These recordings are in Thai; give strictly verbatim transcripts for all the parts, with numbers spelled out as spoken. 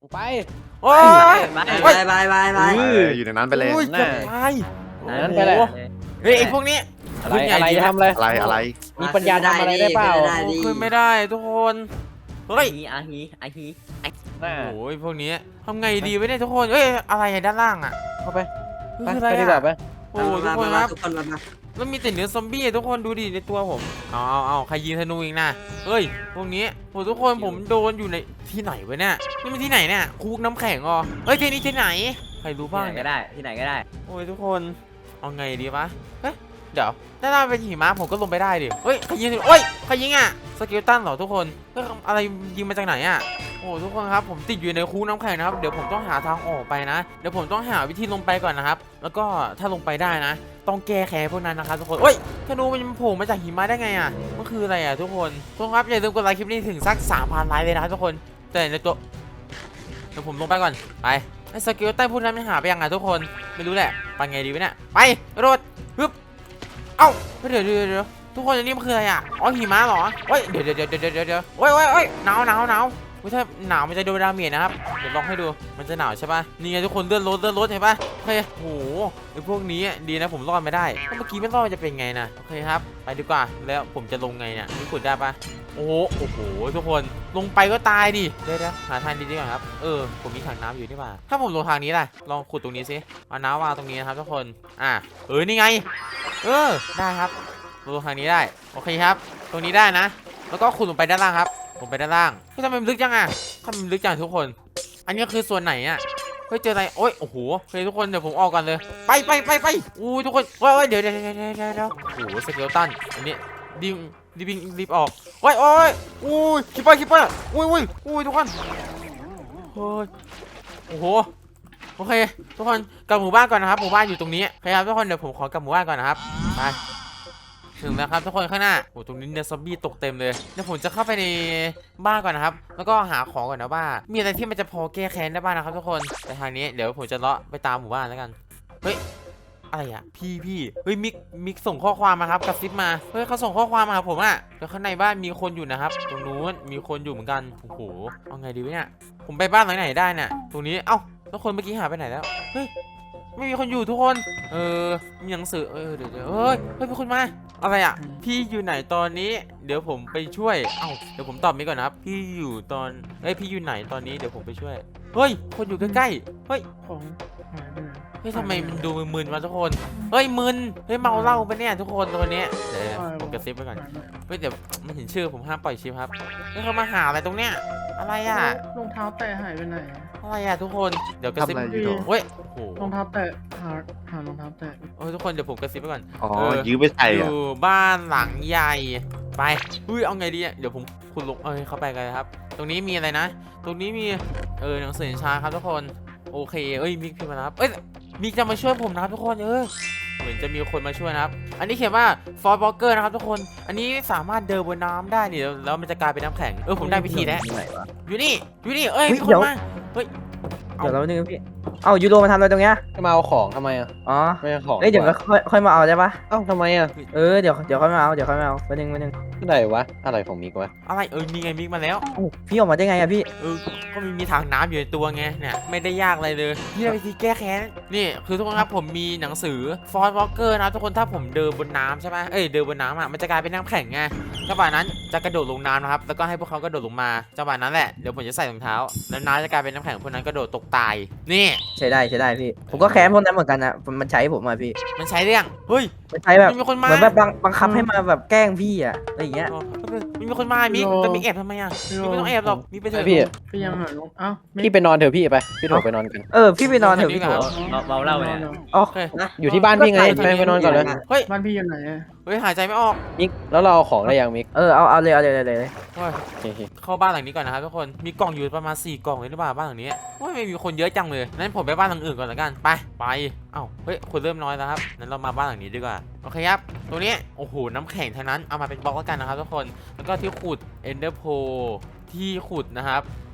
ไปโอ้ยบายบายบายบายบายเอออยู่ในนั้นไปเลยโอ้ยจะตายนั่นไปเลยเฮ้ยไอพวกนี้อะไรอะไรจะทำอะไรอะไรอะไรมีปัญญาทำอะไรได้เปล่าขึ้นไม่ได้ทุกคนเฮ้ยอาฮีอาฮีน่าโอ้ยพวกนี้ทำไงดีวะเนี่ยทุกคนเอ้ยอะไรอะด้านล่างอะเข้าไปคือไปอะไรไปดีกว่าอะไปโอ้ยทุกคนครับทุกคนมาแล้วมีแต่เนื้อซอมบี้อะทุกคนดูดิในตัวผมเอาเอาเอาใครยิงธนูอีกนะเฮ้ยพวกนี้โอ้ทุกคนผมโดนอยู่ในที่ไหนวะเนี่ยนี่มันที่ไหนเนี่ยคุกน้ำแข็งอ๋อเฮ้ยที่นี่ที่ไหนใครรู้ที่บ้างไหนเนี่ก็ยได้ที่ไหนก็ได้โอ้ยทุกคนเอาไงดีวะเฮ้ยเดี๋ยวถ้าเราเป็นหิมะผมก็ลงไปได้ดิเฮ้ยใครยิงโอ้ยใครยิงอ่ะสเกลตันเหรอทุกคนเฮ้ยอะไรยิงมาจากไหนอ่ะโอ้ทุกคนครับผมติดอยู่ในคูน้ำแข็งนะครับเดี๋ยวผมต้องหาทางออกไปนะเดี๋ยวผมต้องหาวิธีลงไปก่อนนะครับแล้วก็ถ้าลงไปได้นะต้องแก้แค้นพวกนั้นนะครับทุกคนเฮ้ยธนูมันโผล่มาจากหิมะได้ไงอ่ะมันคืออะไรอ่ะทุกคนทุกคนครับอย่าลืมกดไลค์คลิปนี้ถึงสักสามพันไลค์เลยนะครับทุกคนแต่ในตัวเดี๋ยวผมลงไปก่อนไปไอ้สเกลตันพวกนั้นมันหาไปยังไงทุกคนไม่รู้แหละไปไงดีวะเนี่ยไปโรดฮึบเอ้าเดี๋ยวเดี๋ยวเดี๋ยวทุกคนอันนี้มันคืออะไรอ่ะอ๋อหิมะเหรอเฮ้ยเดี๋ยวเดี๋ยวเดี๋ยวเดี๋ยวเดี๋ยวเดี๋ยวโอ้ยโอ้ยโอ้ยหนาวหนาวหนาวถ้าหนาวมันจะโดนดาเมจนะครับเดี๋ยวลองให้ดูมันจะหนาวใช่ป่ะนี่ไงทุกคนเลื่อนรถเลื่อนรถเห็นป่ะโอเคโอ้โหไอ้พวกนี้ดีนะผมรอดไม่ได้เมื่อกี้ไม่รอดมันจะเป็นไงนะโอเคครับไปดีกว่าแล้วผมจะลงไงเนี่ยนี่ขุดได้ป่ะโอ้โหโอ้โหทุกคนลงไปก็ตายดิเดี๋ยวเดี๋ยวหาทางดีๆก่อนครับเออผมมีถังน้ำอยู่นี่ป่ะถ้าผมลงทางนี้ล่ะลองขุดตรงนี้สิเอาน้ำวางตรงนี้นะครับทุกคนอ่ะเออนี่ไงเออได้ครับลงทางนี้ได้โอเคครับตรงนี้ได้นะแล้วก็ขุดลงไปด้านล่างครับลงไปด้านล่างเฮ้ยทำไมมันลึกจังอ่ะทำไมมันลึกจังทุกคนอันนี้คือส่วนไหนอ่ะเฮ้ยเจออะไรโอ้ยโอ้โหโอเคทุกคนเดี๋ยวผมออกกันเลยไปไปไปไปอู้ทุกคนว้ายเดี๋ยวเดี๋ยวเดี๋ยวเดี๋ยวเดี๋ยวโอ้โหสเกลตันอันนี้ดิมรีบรีบออกโอ้ยโอ้ยอุ้ยคิปเปอร์คิปเปอร์อุ้ยอุ้ยอุ้ยทุกคนเฮ้ยโอ้โหโอเคทุกคนกลับหมู่บ้านก่อนนะครับหมู่บ้านอยู่ตรงนี้โอเคครับทุกคนเดี๋ยวผมขอกลับหมู่บ้านก่อนนะครับไปถึงแล้วครับทุกคนข้างหน้าโอ้ตรงนี้เนี่ยซอมบี้ตกเต็มเลยเดี๋ยวผมจะเข้าไปในบ้านก่อนนะครับแล้วก็หาของก่อนนะว่ามีอะไรที่มันจะพอแก้แค้นได้บ้างนะครับทุกคนแต่ทางนี้เดี๋ยวผมจะเลาะไปตามหมู่บ้านแล้วกันเฮ้ยอะไรอ่ะพี่พี่เฮ้ยมิกมิกส่งข้อความมาครับกระซิบมาเฮ้ยเขาส่งข้อความมาหาผมอ่ะแล้วข้างในบ้านมีคนอยู่นะครับตรงนู้นมีคนอยู่เหมือนกันโอ้โหเอาไงดีวะเนี่ยผมไปบ้านหลังไหนได้เนี่ยตรงนี้เอ้าแล้วคนเมื่อกี้หายไปไหนแล้วเฮ้ยไม่มีคนอยู่ทุกคนเออมีหนังสือเออเดี๋ยวเดี๋ยวเฮ้ยเฮ้ยมีคนมาอะไรอ่ะพี่อยู่ไหนตอนนี้เดี๋ยวผมไปช่วยเอ้าเดี๋ยวผมตอบนี้ก่อนนะครับพี่อยู่ตอนเอ้ยพี่อยู่ไหนตอนนี้เดี๋ยวผมไปช่วยเฮ้ยคนอยู่ใกล้ๆเฮ้ยของหายไปไหนเฮ้ยทำไมมันดูมึนๆวะทุกคน เฮ้ยมึน เฮ้ยเมาเหล้าปะเนี่ยทุกคนตัวเนี้ยเดี๋ยวผมกระซิบไว้ก่อนหายไปไหนเฮ้ยเดี๋ยวไม่เห็นชื่อผมห้ามปล่อยชิปครับเฮ้ยเขามาหาอะไรตรงเนี้ย อะไรอ่ะรองเท้าแตะหายไปไหนอะอะไรอ่ะทุกคน เดี๋ยวกระซิบทำอะไรอยู่เฮ้ย โอ้โหรองเท้าแตะหาหารองเท้าแตะโอ้ยทุกคนเดี๋ยวผมกระซิบไว้ก่อนอ๋อเออยื้อไปใส่ออะยู่บ้านหลังใหญ่ ไปอุ้ยเอาไงดีอ่ะเดี๋ยวผมคุณลงเอ้ยเข้าไปกันเลยครับ ตรงนี้มีอะไรนะ ตรงนี้มี เออหนังสือชาครับทุกคน โอเค เอ้ยมิกพิมพ์มาแล้วครับเอ้ยมิกจะมาช่วยผมนะครับทุกคนเออเหมือนจะมีคนมาช่วยนะครับ อันนี้เขียนว่าฟอร์บล็อกเกอร์นะครับทุกคน อันนี้สามารถเดินบนน้ำได้นี่แล้วมันจะกลายเป็นน้ำแข็ง เออผมได้วิธีแล้วไหนวะอยู่นี่ อยู่นี่ เอ้ยเฮ้ยมีคเดี๋นยวมา เฮ้ย เอ้าเดี๋ยวเราหนึ่งพี่ เอ้ายูโรมาทำอะไรตรงเนี้ยจะมาเอาของทำไมอ่ะอ๋อไม่เอาของเอ้ยเดี๋ยวก็ค่อยค่อยมาเอาได้ปะเอ้าทำไมอ่ะเออเดี๋ยวเดี๋ยวค่อยมาเอาเดี๋ยวค่อยมาเอาวันหนึ่งวันหนึ่งที่ไหนวะอะไรของมิกวะอะไร เออนี่ไงมิกมาแล้วโอ้พี่ออกมาได้ไงอะพี่เออ ก็มีมีถังน้ำอยู่ในตัวไง เนี่ย ไม่ได้ยากอะไรเลยที่เราวิธีแก้แค้น นี่ คือทุกคนครับ ผมมีหนังสือฟอร์ w วอลเกอร์นะทุกคน ถ้าผมเดินบนน้ำใช่ไหมเอ้ย เดินบนน้ำอ่ะ มันจะกลายเป็นน้ำแข็งไงจังหวะนั้นจะกระโดดลงน้ำนะครับ แล้วก็ให้พวกเขากระโดดลงมาจังหวะนั้นแหละ เดี๋ยวผมจะใส่รองเท้า แล้วน้ำจะกลายเป็นน้ำแข็งพวกนั้นกระโดดตกตาย นี่ใช้ได้ใช้ได้พี่ ผมก็แค้นพวกนั้นเหมือนกันนะมันใช้ผมมาพี่มันใช้เรื่องเฮ้ยมันใช้แบบมันมีคนมาเหมือนแบบบังบังคับให้มาแบบแกล้งพี่อะอะไรอย่างเงี้ยอ๋อมันมีคนมามิกแต่มิกแอบทำไมอ่ะมิกไม่ต้องแอบหรอกมิกไปเถอะพี่พี่ยังหารองเอ้าไม่พี่ไปนอนเถอะพี่ไปพี่โถไปนอนกันเออพี่ไปนอนเถอะพี่โถเมาเหล้าเนี่ยอ๋อโอเคอยู่ที่บ้านพี่ไงไปไปนอนก่อนเลยเฮ้ยบ้านพี่อยู่ไหนอะเฮ้ยหายใจไม่ออกมิกแล้วเราเอาของได้ยังมิกเออเอาเอาเลยเอาเลยเอาเลยเฮ้ยโอเคเข้าบ้านหลังนี้ก่อนนะครับทุกคน มีกล่องอยู่ประมาณสี่กล่องเลยหรือเปล่าบ้านหลังนี้ว่าไม่มีคนเยอะจังเลยนั้นผมไปบ้านหลังอื่นก่อนละกัน ไป ไป เอ้า เฮ้ย คนเริ่มน้อยแล้วครับนั้นเรามาบ้านหลังนี้ดีกว่า โอเคครับ ตรงนี้ โอ้โห น้ำแข็งทั้งนั้น เอามาเป็นบล็อกแล้วกันนะครับทุกคน แล้วก็ที่ขุด Ender Pearl ที่ขุดนะครับ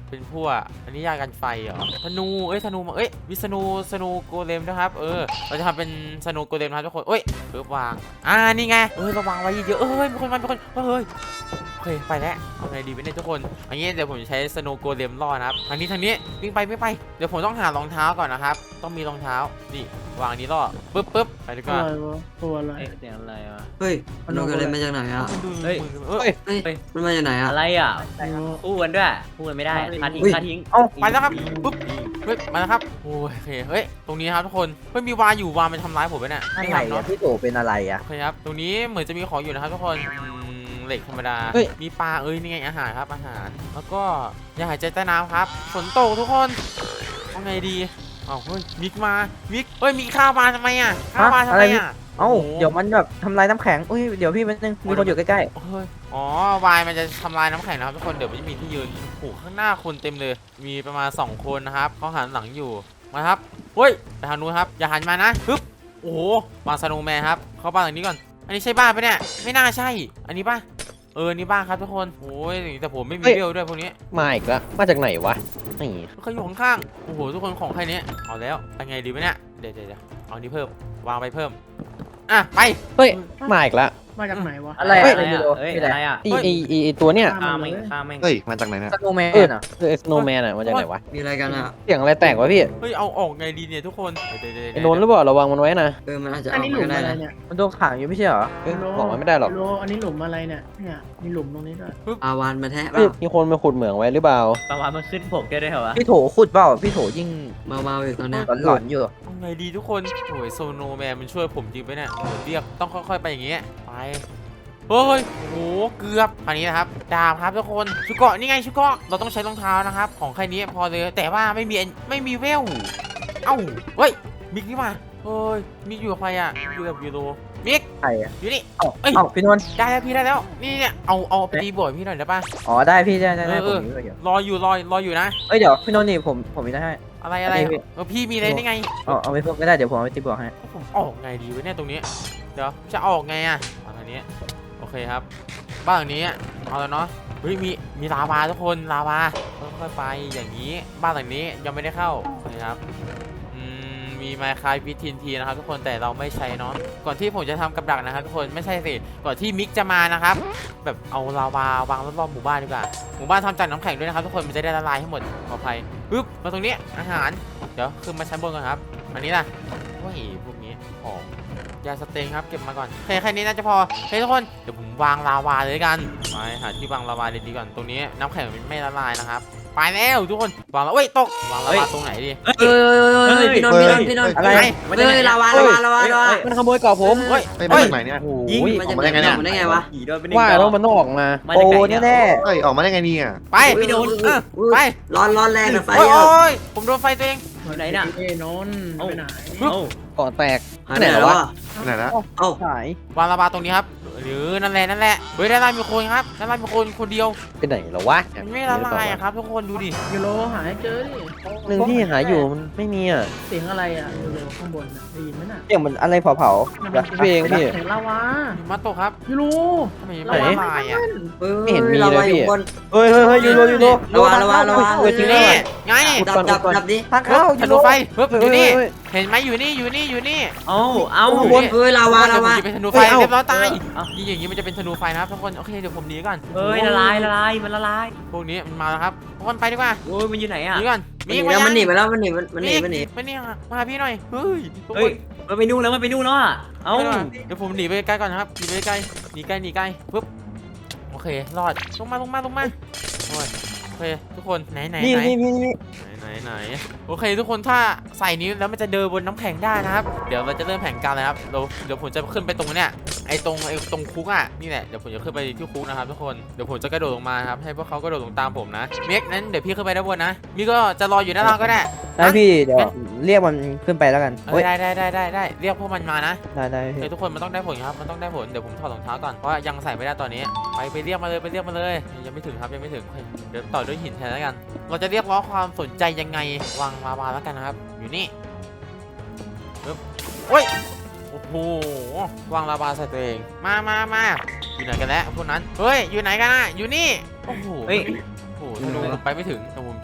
เป็นพวกอันนี้ยากันไฟเหรอธนูเอ้ยธนูมาเอ้ยวิสนูสนูโกเลมนะครับเออเราจะทำเป็นสนูโกเลมนะครับทุกคนเอ้ยเพิ่มวางอ่านี่ไงเออเราวางไว้เยอะๆเอ้ยมีคนมามีคนเฮ้ยโอเคไปแล้วเอาไงดีไปเนี่ยทุกคนอันนี้เดี๋ยวผมจะใช้สนูโกเลมล่อนะครับทางนี้ทางนี้วิ่งไปไม่ไปเดี๋ยวผมต้องหารองเท้าก่อนนะครับต้องมีรองเท้านี่วางอันนี้ล่อปึ๊บปึ๊บไปดีกตัวว่าอะไรวะตัวอะไรเอ๊ะเสียงอะไรวะเฮ้ยมันโดนอะไรมาจากไหนอ่ะมันดูเฮ้ยเออเฮ้ยมันมาจากไหนอ่ะอะไรอ่ะไม่รู้พูดกันด้วยพูดกันไม่ได้คาทิ้งอุ้ยคาทิ้งเอ้าไปแล้วครับปึ๊บเฮ้ยมาแล้วครับโอ้ยโอเคเฮ้ยตรงนี้ครับทุกคนเฮ้ยมีวาอยู่วามันทำร้ายผมไปเนี่ยอะไม่ไรทำอะเนาะพี่โตเป็นอะไรอะโอเคครับ ตรงนี้เหมือนจะมีของอยู่นะครับทุกคนอืมเหล็กธรรมดาเฮ้ยมีปลา เอ้ย นี่ไงอาหารครับ อาหาร แล้วก็อย่าหายใจใต้น้ำครับ ฝนตกทุกคนเอาไงดีอ้าวเฮ้ย มิกมา มิก เฮ้ย มีข้าวมาทำไมอ่ะ ข้าวมาทำไมอ่ะเอ้าโอ้โหเดี๋ยวมันแบบทำลายน้ำแข็งอุ้ยเดี๋ยวพี่มันนึงมีคนอยู่ใกล้เฮ้ย อ๋อ วายมันจะทำลายน้ำแข็งนะครับทุกคน เดี๋ยวมันจะมีที่ยืนโอ้โหข้างหน้าคนเต็มเลย มีประมาณสองคนนะครับเขาหันหลังอยู่ มาครับ เฮ้ยไปทางนู้นครับ อย่าหันมานะปึ๊บ โอ้โหวางสโนว์แมนครับ เข้าบ้านหลังนี้ก่อน อันนี้ใช่บ้านปะเนี่ย ไม่น่าใช่ อันนี้ป่ะ เออ นี่บ้านครับทุกคน โอ้ยแต่ผมไม่มีเบลด้วยพวกนี้มาอีกแล้วมาจากไหนวะนี่เขาอยู่ข้างๆ โอ้โห ทุกคนของใครเนี้ยเอาแล้วไปไงดีวะเนี่ย เดี๋ยวเดี๋ยวเอานี้เพิ่ม วางไปเพิ่ม อ่ะ ไปเฮ้ยมาอีกแล้วมาจากไหนวะๆอะไรเฮ้ยอะไรอะไรไม่อ่ะรู้เฮ้ยพี่อะแหไรละอ่ะอีอีอีอีตัวเนี้ยข้ามแม่งข้ามแม่งเฮ้ย มาจากไหนเนี่ยสโนว์แมเออนอะเออสโนว์แมนอะมาจากไหนวะมีอะไรกันอ่ะเสียงอะไรแตกวะพี่เฮ้ย เอาออกไงดีเนี่ยทุกคนเดี๋ยวเดี๋ยวไอ้นนท์หรือเปล่าระวังมันไว้นะเออมันอาจจะอันเอานี้หมาลุมก็ได้อะไรนะเนี่ยมันโดนขังอยู่ไม่ใช่เหรอเอ้ยบอกมันไม่ได้หรอกโลอันนี้หลุมอะไรเนี่ยเนี่ยมีหลุมตรงนี้ด้วยอาวานมาแทะเปเฮ้ยล่ามีคนมาขุดเหมืองไว้หรือเปล่าประมาณมันขึ้นผกได้ด้วยเหรอวะพี่โถขุดเปล่าพี่โถยิ่งเมาๆอยู่ตอนเนี้ยหลอนๆอยู่เอาไงดีทุกคนโอ้ยโซโนแมนมันช่วยผมจริงไหมเนี่ยโอ้ยเรียกต้องค่อยๆไปอย่างเงี้ย ไป เฮ้ย โอ้โห เกือบอันนี้นะครับ ดาบครับทุกคน ชุกเกาะนี่ไงชุกเกาะเราต้องใช้รองเท้านะครับ ของใครนี้พอเลย แต่ว่าไม่มี ไม่มีเวล เอ้า เฮ้ย มิกนี่มาเฮ้ย มิกอยู่กับใครอ่ะอยู่กับยูโรมิกใครอะอยู่นี่เอ้าเอ้ยเอ้าพี่นนท์ได้แล้วพี่ได้แล้ว นี่เนี่ย เอา เอาไปตีบวชพี่หน่อยได้ปะอ๋อได้พี่ได้ได้ได้เอผอมมีไว้อยู่รออยู่ รอ รออยู่นะเอ้ยเดี๋ยวพี่นนท์นี่ผมผมมีได้ให้อะไรอะไรอันนี้พี่เออพี่มีอะไรนี่ไงเอาเอาไปเพิ่มก็ได้เดี๋ยวผมเอาไปตีบวกให้ผมออกไงดีวะเนี่ยตรงนี้ เดี๋ยวจะออกไงอะมาทางนี้ โอเคครับ บ้านหลังนี้เอาแล้วเนาะ เฮ้ยมีมีลาวาทุกคนลาวาค่อยๆไปอย่างนี้ บ้านหลังนี้ยังไม่ได้เข้านะครับอืมมีไมค์คลายพิทินทีนะครับทุกคนแต่เราไม่ใช้เนาะ ก่อนที่ผมจะทำกับดักนะครับทุกคนไม่ใช่สิ ก่อนที่มิกจะมานะครับ แบบเอาลาวาวางรอบๆหมู่บ้านดีกว่า หมู่บ้านทำจากน้ำแข็งด้วยนะครับทุกคนมันจะได้ละลายให้หมดปลอดภัยปึ๊บมาตรงนี้อาหาร เดี๋ยวขึ้นมาชั้นบนก่อนครับ อันนี้ล่ะว้ายพวกนี้ของยาสเต็งครับเก็บมาก่อนโอเคแค่นี้น่าจะพอเฮ้ยทุกคนเดี๋ยวผมวางลาวาเลยกันไปหาที่วางลาวาดีๆก่อนตรงนี้น้ำแข็งมันไม่ละลายนะครับไปแล้วทุกคนวางแล้วเอ้ยตกวางลาวาตรงไหนดีเอ้ยเอ้ยเอ้ยพี่นนท์พี่นนท์พี่นนท์อะไรไหนเฮ้ยลาวาลาวาลาวาลาวามันขโมยเกาะผมเฮ้ยเฮ้ย มาจากไหนเนี่ยโอ้ยิงยมันอจะอกมาได้ไงเนี่ยมันได้ไงวะผีโดนไปหนึ่งว่าดอกแล้วมันต้องออกมามาโอ้จากไหนแน่เนี่ยแน่เฮ้ย ออกมาได้ไงเนี่ยไปพี่นนท์เออไปร้อนร้อนแรงนะไฟโอ้ยอ่ะโอ้ยผมโดนไฟตัวเองไหนน่ะเอ้ยนนท์เอ้าไปไหนเอ้าเกาะแตกหายไปไหนแล้ววะไหนละเอ้าๆหายวางลาวาตรงนี้ครับหรือนั่นแหละนั่นแหละเฮ้ยด้านล่างมีคนครับด้านล่างมีคนคนเดียวไปไหนแล้ววะมันไม่ละลายอะครับทุกคนดูดิยูโรหาให้เจอดิหนึ่งที่หาอยู่มันไม่มีอ่ะเสียงอะไรอ่ะยูโรข้างบนน่ะได้ยินไหมน่ะเสียงเหมือนอะไรเผามันๆเป็นพี่เองพี่เสียงลาวาหิมะตกครับยูโรทำไมไม่ละลายอะไม่เห็นมีลาเลวาย อยู่พี่บนเฮ้ยเฮ้ยเฮ้ยยูโรยูโรระวังระวังระวังเฮ้ยจริงนี่ด้วยไงดับดับดับดิทางเข้าทะยูลุโรไฟปึ๊บอยู่นี่เฮ้ยเห็นไหมอยู่นี่อยู่นี่อยู่นี่เอ้าเอ้าอยู่บนนี่เฮ้ยลาวาลาวาเดี๋ยวผมจะเป็นธนูไฟเอ้าเรียบร้อยตายเอ้ายิงอย่างนี้มันจะเป็นธนูไฟนะครับทุกคนโอเคเดี๋ยวผมหนีก่อนเฮ้ยละลายละลายมันละลายพวกนี้มันมาแล้วครับทุกคนไปดีกว่าโอ้ยมันอยู่ไหนอ่ะหนีก่อนมันหนีแล้วมันหนีไปแล้วมันหนีมันหนีมันหนีมันหนีมาหาพี่หน่อยเฮ้ยทุกคเฮ้ยนมันไปนู่นแล้วมันไปนู่นแล้วอ่ะเอ้าไปก่อนเดี๋ยวผมหนีไปไกลก่อนนะครับหนีไปไกลหนีไกลหนีไกลปึ๊บโอเครอดลงมาลงมาลงมาโอ้ยโอเคทุกคนไหนไหนนี่ไหนนี่นี่นี่ไหนไหนไหนโอเคทุกคนถ้าใส่นิ้วแล้วมันจะเดินบนน้ำแข็งได้นะครับเดี๋ยวเราจะเริ่มแผนการเลยครับเราเดี๋ยวผมจะขึ้นไปตรงเนี้ยไอ้ตรงไอ้ตรงคุกอ่ะนี่แหละเดี๋ยวผมจะขึ้นไปที่คุกนะครับทุกคนเดี๋ยวผมจะกระโดดลงมาครับให้พวกเขากระโดดลงตามผมนะเมกนั้นเดี๋ยวพี่ขึ้นไปด้านบนนะมีก็จะรออยู่ด้านล่างก็ได้ได้พี่เดี๋ยวเรียกมันขึ้นไปแล้วกันเอเฮ้อย ได้ได้ได้ได้ได้เรียกพวกมันมานะได้ได้เฮ้พี่ยทุกคนมันต้องได้ผลครับมันต้องได้ผลเดี๋ยวผมถอดรองเท้าก่อนเพราะว่ายังใส่ไม่ได้ตอนนี้ไปไปเรียกมาเลยไปเรียกมาเลยยังไม่ถึงครับยังไม่ถึงเดี๋ยวต่อด้วยหินแทนแล้วกัน เราจะเรียกร้องความสนใจยังไงวางมาวาแล้วกันนะครับอยู่นี่ปึ๊บโอ้ยโอ้โหวางลาวาใส่ตัวเองมามามาอยู่ไหนกันแล้วพวกนั้นเฮ้ยอยู่ไหนกันอ่ะอยู่นี่โอ้โหเฮ้ยโอ้โหธนูผมไปไม่ถึงแต่ผม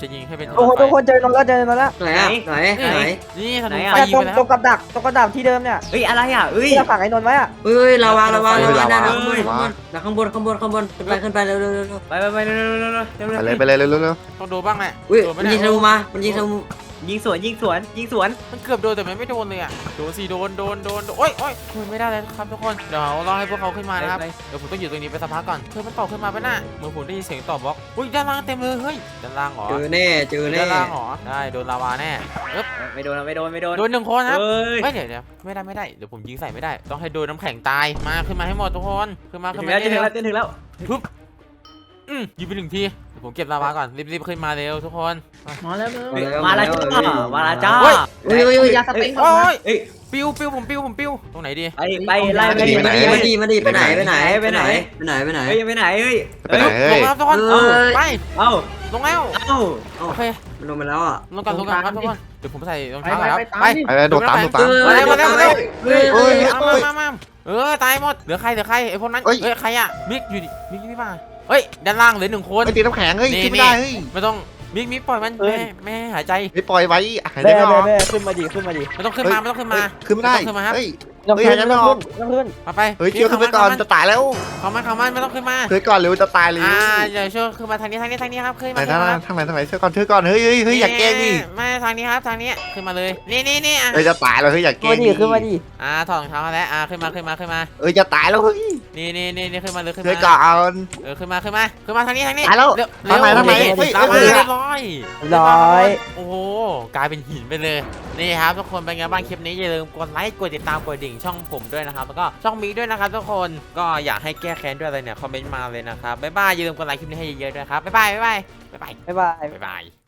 จะยิงให้เป็นโอ้โหไฟทุกคนเจอนนแล้วเจอนนแล้วไหนอะไหนไหนนี่ธนูไหนอะไฟเนี่ยยิงตรงไปแล้วตรงกับดักตรงกับดักที่เดิมเนี่ยเอ้ยอะไรอ่ะเอ้ยที่เราขังไอ้นนท์ไว้อะเฮ้ยลาวาลาวาเฮ้ลาย วาลาวานั่นนะข้างบนข้างบนข้างบนข้างบนข้างบนขึ้นไปขึ้นไปเร็วเร็วเร็วไปไปไปเร็วเร็วเร็วเร็วเร็วไปเร็วเลยไปเลยเร็วเร็วต้องโดนบ้างแหละอุ้ยโดนมัไม่นได้ยิงธนูมามันยิงธนูยิงสวนยิงสวนยิงสวนมันเกือบโดนแต่มันไม่โดนเลยอ่ะโดนสิโดนโดนโดนโดนโอ้ยโอ้ยช่วยไม่ได้เลยครับทุกคนเดี๋ยวรอให้พวกเขาขึ้นมานะครับไปเดี๋ยวผมต้องอยู่ตรงนี้ไปสักพักก่อนเธอมันต่อขึ้นมาปะน่ะเหมือนผมได้ยินเสียงต่อบล็อกอุ้ยด้านล่างเต็มเลยเฮ้ยด้านล่างเหรอเจอแน่เจอแน่ด้านล่างเหรอได้โดนลาวาแน่เอ๊บไม่โดนไม่โดนไม่โดนโดนหนึ่งคนครับเอ้ยไม่เดี๋ยวเดี๋ยวไม่ได้ไม่ได้เดี๋ยวผมยิงใส่ไม่ได้ต้องให้โดนน้ำแข็งตายมาขึ้นมาให้หมดทุกคนขึ้นมาถึขึ้นงมาแล้วถึงเร็วแล้วถึงแล้วอืมยิงไปหนึ่งทีเดี๋ยวผมเก็บลาวาก่อนรีบๆขึ้นมาเร็วทุกคนมาแล้วเร็วมาแล้วจ้ามาแล้วจ้าเฮ้ยอุ้ยอุ้ยอุ้ยยาสเต็งโอ้ยเอ้ยปิวปิวผมปิวผมปิวตรงไหนดีไปไปไล่ไปมาดิดีไปมาดิดีมาดีไปไหนไปไหนไปไหนไปไหนไปไหนเฮ้ยไปไหนเฮ้ยไปไหนลเฮ้งยแล้วทุกคนเอ้ยไปเอ้าลงแล้วเอ้าโอเคมันลงมาแล้วอ่ะลงก่อนลงก่อนครับทุกคนเดี๋ยวผมใส่รองไปเท้าไปแล้วไปตามไปดิไปเลยโดดตามโดดตามมาเร็วมาเร็วมาเร็วเฮ้ยเฮ้เฮ้ยยมามามามาเออตายหมดเหลือใครเหลือใครไอ้พวกนั้นเอ้ยเฮ้ยใครอะมิกอยู่ดิมิกนี่มาเฮ้ยด้านล่างเหลือหนึ่งคนไอ้ตีน้ำแข็งเฮ้ยนี่ขึ้นไม่ได้เฮ้ยไม่ต้องมิกมิกปล่อยมันแม่แม่หายใจไม่ปล่อยไว้หายใจแม่ไม่อแม่อกแม่ขึ้นมาดิขึ้นมาดิไม่ต้องขึ้นมาไม่ต้องขึ้นมาเฮ้ยขึ้นไม่ได้ไม่ต้องขึ้นมาครับเฮ้ยต้องเฮ้ยขึ้นหายใจไม่ต้องออกขึ้นต้องขึ้นมาไปเฮ้ยเคียวขึ้นไปก่อนจะตายแล้วเข้ามาเข้ามาไม่ต้องขึ้นมาเฮ้ยก่อนเร็วจะตายเลยอ่าเดี๋ยวช่วยขึ้นมาทางนี้ทางนี้ทางนี้ครับขึ้นไหนมาขึ้นทางมาไหนทางไหนทางไหนเชื่อก่อนเชื่อก่อนเฮ้ยเฮ้ยเฮ้ยอย่าแกล้งดิไม่ทางนี้ครับทางนี้ขึ้นมาเลยนี่นี่นี่อ่ะเฮ้ยจะตายแล้วเฮ้ยอย่าแกล้ขึ้นงมาดิขึ้นมาดิอ่าถอดรองเท้ามาแล้วอ่าขึ้นมาขึ้นมาขึ้นมาเอ้ยจะตายแล้วเฮ้ยนี่นี่นี่นี่ขึ้นมาเลยขึ้นเฮ้ยมาก่อนเออขึ้นมาขึ้นมาขึ้นมาทางนี้ทางนี้ตายแล้วเร็วทางไหนทางไหนเร็วเฮ้ยตามมาเฮ้ยเรียบร้อยร้อยโอ้โหกลายเป็นหินไปเลยนี่ครับทุกคนเป็นไงบ้างคลิปนี้อย่าลืมกดไลค์กดติดตามกดดิ่งช่องผมด้วยนะครับแล้วก็ช่องมีด้วยนะครับทุกคนก็อยากให้แก้แค้นด้วยอะไรเนี่ยคอมเมนต์มาเลยนะครับบ๊ายบายอย่าลืมกดไลค์คลิปนี้ให้เยอะๆด้วยครับบ๊ายบายบ๊ายบายบ๊ายบายบ๊ายบายบ๊ายบาย